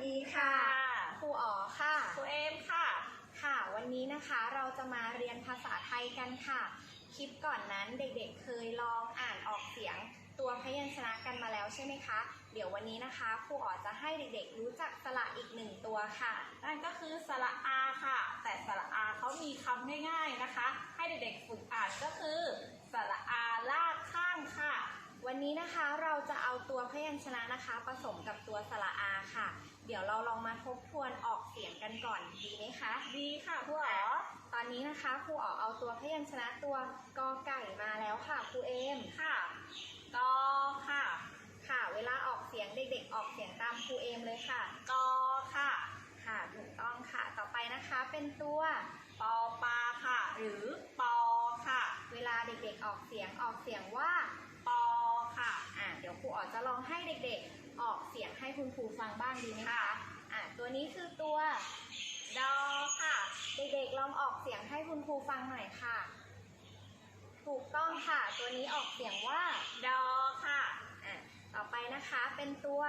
ดีค่ะครูอ๋อค่ะครูเอมค่ะค่ะวันนี้นะคะเราจะมาเรียนภาษาไทยกันค่ะคลิปก่อนนั้นเด็กๆเคยลองอ่านออกเสียงตัวพยัญชนะกันมาแล้วใช่ไหมคะเดี๋ยววันนี้นะคะครูอ๋อจะให้เด็กๆรู้จักสระอีกหนึ่งตัวค่ะนั่นก็คือสระอาค่ะแต่สระอาเขามีคำง่ายๆนะคะให้เด็กๆฝึกอ่านก็คือสระอาลากข้างค่ะวันนี้นะคะเราจะเอาตัวพยัญชนะนะคะผสมกับตัวสระอาค่ะเดี๋ยวเราลองมาทบทวนออกเสียงกันก่อนดีไหมคะดีค่ะครูอ๋อตอนนี้นะคะครูอ๋อเอาตัวพยัญชนะตัวกอไก่มาแล้วค่ะครูเอมค่ะกอค่ะค่ะเวลาออกเสียงเด็กๆออกเสียงตามครูเอมเลยค่ะกอค่ะค่ะถูกต้องค่ะต่อไปนะคะเป็นตัวปอปลาค่ะหรือปอค่ะเวลาเด็กๆออกเสียงว่าปอค่ะเดี๋ยวครูอ๋อจะลองให้เด็กๆออกเสียงให้คุณครูฟังบ้างดีไหมคะตัวนี้คือตัวดอค่ะเด็กๆลองออกเสียงให้คุณครูฟังหน่อยค่ะถูกต้องค่ะตัวนี้ออกเสียงว่าดอค่ะต่อไปนะคะเป็นตัว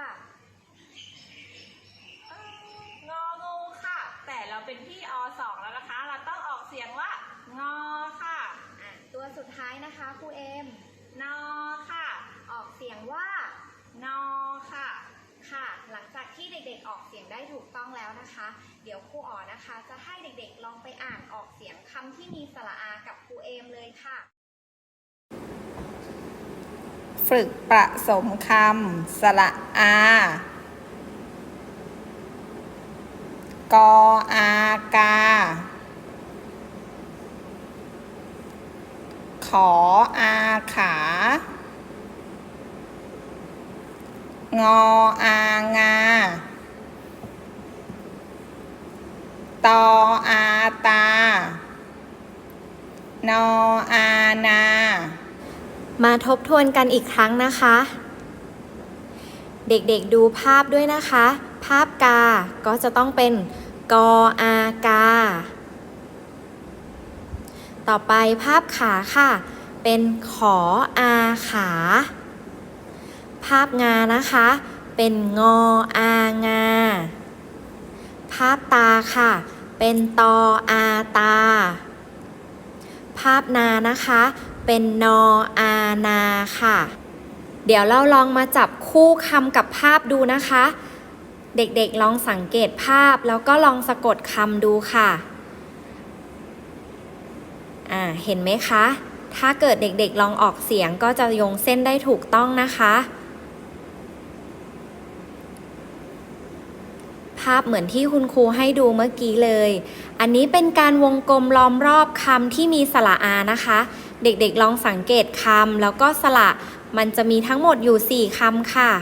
งองูค่ะแต่เราเป็นพี่อ.2แล้วนะคะเราต้องออกเสียงว่างอค่ะตัวสุดท้ายนะคะครูเอมนอค่ะออกเสียงว่านอค่ะค่ะหลังจากที่เด็กๆออกเสียงได้ถูกต้องแล้วนะคะเดี๋ยวครูอ๋อนะคะจะให้เด็กๆลองไปอ่านออกเสียงคำที่มีสระอากับครูเอมเลยค่ะฝึกผสมคำสระอากออากาขออาขางออางาตออาตานออานามาทบทวนกันอีกครั้งนะคะเด็กๆดูภาพด้วยนะคะภาพกาก็จะต้องเป็นกออากาต่อไปภาพขาค่ะเป็นขออาขาภาพงานะคะเป็นงออางาภาพตาค่ะเป็นตออาตาภาพนานะคะเป็นนออานาค่ะเดี๋ยวเราลองมาจับคู่คำกับภาพดูนะคะเด็กๆลองสังเกตภาพแล้วก็ลองสะกดคำดูค่ะเห็นไหมคะถ้าเกิดเด็กๆลองออกเสียงก็จะโยงเส้นได้ถูกต้องนะคะภาพเหมือนที่คุณครูให้ดูเมื่อกี้เลยอันนี้เป็นการวงกลมล้อมรอบคำที่มีสระอานะคะเด็กๆลองสังเกตคำแล้วก็สระมันจะมีทั้งหมดอยู่4คำค่ะ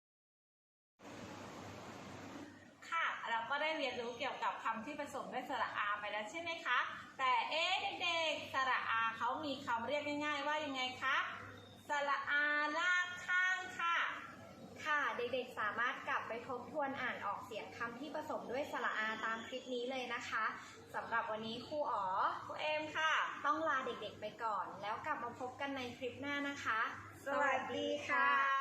เราก็ได้เรียนรู้เกี่ยวกับคำที่ผสมด้วยสระอาไปแล้วใช่ไหมคะแต่เด็กๆสระอาเขามีคำเรียกง่ายๆว่ายังไงคะสระอาลากข้างค่ะเด็กๆสามารถกลับไปทบทวนอ่านออกเสียงคำที่ผสมด้วยสระอาตามคลิปนี้เลยนะคะสำหรับวันนี้ครูอ๋อครูเอมค่ะต้องลาเด็กๆไปก่อนแล้วกลับมาพบกันในคลิปหน้านะคะสวัสดีค่ะ